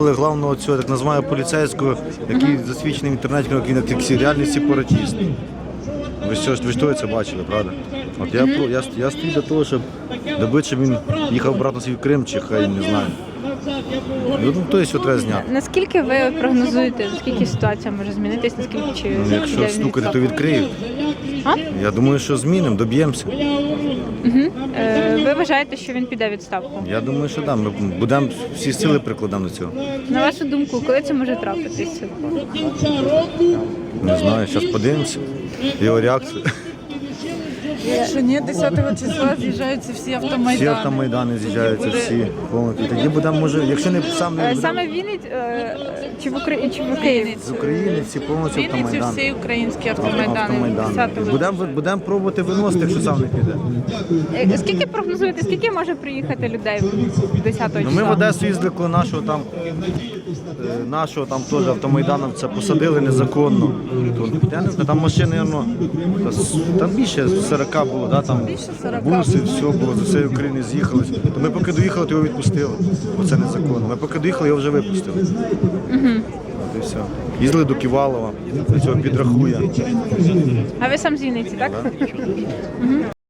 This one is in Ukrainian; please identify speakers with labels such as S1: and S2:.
S1: Главного цього, так називаю, поліцейського, який засвідчений в інтернеті, як він як реальний сепаратист. Ви ж того це бачили, правда? От я стою для того, щоб добити, щоб він їхав обратно свій Крим, чи хай не знаю. Ну, то є, що треба зняти.
S2: Наскільки ви прогнозуєте, наскільки ситуація може змінитись, наскільки чи
S1: Якщо стукати, то відкриють.
S2: А?
S1: Я думаю, що змінимо, доб'ємося.
S2: Ви вважаєте, що він піде у відставку?
S1: Я думаю, що так. Ми будемо всі сили прикладемо до цього.
S2: На вашу думку, коли це може трапитися?
S1: Не знаю, зараз подивимося. Його реакцію.
S3: Якщо ні, 10 числа з'їжджаються всі автомайдани.
S1: Всі автомайдани з'їжджаються, всі повністю. Тоді будемо, може, якщо не саме
S2: Саме в Вінниці чи в Україні?
S1: з України, всі повністю
S3: Вінниці
S1: автомайдани.
S3: всі українські автомайдани. 10-го.
S1: Будемо пробувати виносити, якщо сам не піде.
S2: Скільки прогнозуєте, скільки може приїхати людей 10 числа?
S1: Ну, ми в Одесу їздили, коли нашого там теж автомайдановця посадили незаконно. Я не знаю, там машини, там більше 40 було, да, там буси, все було, з усієї України з'їхались. То ми поки доїхали, то його відпустили, бо це незаконно. Ми поки доїхали, його вже випустили. От і все. Їздили до Ківалова, до цього підрахує.
S2: А ви сам з Вінниці, так?